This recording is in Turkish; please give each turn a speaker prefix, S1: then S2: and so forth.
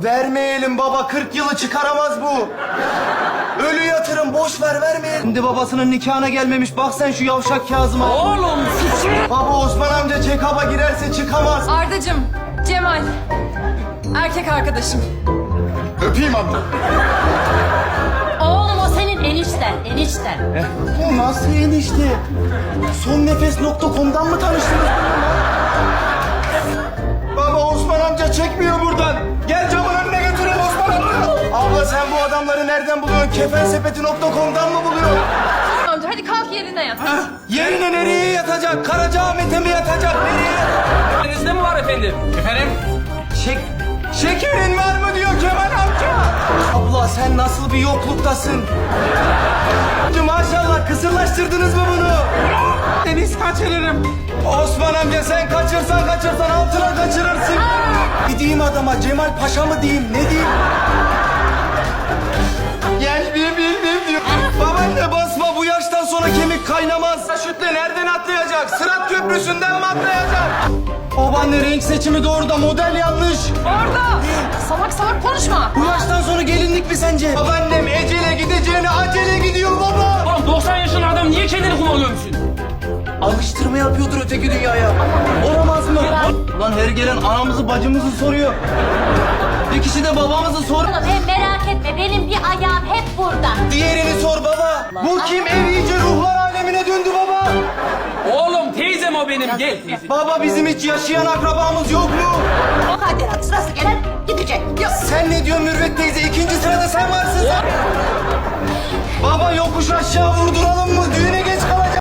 S1: Vermeyelim baba, 40 yılı çıkaramaz bu. Ölü yatırım, boş ver, vermeyelim. Şimdi babasının nikahına gelmemiş, bak sen şu yavşak Kazım'a.
S2: Oğlum suçu.
S1: Baba Osman amca check-up'a girerse çıkamaz.
S3: Ardacığım, Cemal. Erkek arkadaşım.
S1: Öpeyim amca.
S4: Oğlum o senin enişten.
S1: Bu nasıl enişte? Sonnefes.com'dan mı tanıştınız? Baba Osman amca çekmiyor buradan. Gel camın önüne götürelim Osman amca. Abla sen bu adamları nereden buluyorsun? Kefensepeti.com'dan mı buluyorsun?
S3: Amca hadi kalk yerine yat.
S1: Yerine nereye yatacak? Karacaahmet'e mi yatacak? Nereye?
S2: Elinizde mi var efendim? Efendim?
S1: Şekerin var mı diyor Kemal amca. Abla sen nasıl bir yokluktasın? Maşallah kısırlaştırdınız mı bunu?
S2: Deniz kaçırırım.
S1: Osman amca sen kaçırsan altına kaçırırsın. Ne diyeyim adama, Cemal Paşa mı diyeyim, ne diyeyim? Gel bilmem diyor. Babaanne basma, bu yaştan sonra kemik kaynamaz. Şütle nereden atlayacak? Sırat köprüsünden mi atlayacak? Babaanne renk seçimi doğru da model yanlış.
S3: Orada. Salak salak konuşma.
S1: Bu yaştan sonra gelinlik mi sence? Babaannem ecele gideceğine acele gidiyor baba.
S2: Oğlum 90 yaşında adam niye kendini kullanıyormuşsun?
S1: Alıştırma yapıyordur öteki dünyaya. Olamaz mı? Ulan her gelen anamızı bacımızı soruyor. Bir kişi de babamızı sor.
S4: Oğlum hem merak etme benim bir ayağım hep burada.
S1: Diğerini sor baba. Bu kim? Ev iyice ruhlar alemine döndü baba.
S2: Oğlum teyzem o benim. Gel teyze.
S1: Baba bizim hiç yaşayan akrabamız yok mu?
S4: Mukadderat sırası gelen gidecek.
S1: Sen ne diyorsun Mürvet teyze? İkinci sırada sen varsın. Baba yokuş aşağı vurduralım mı? Düğüne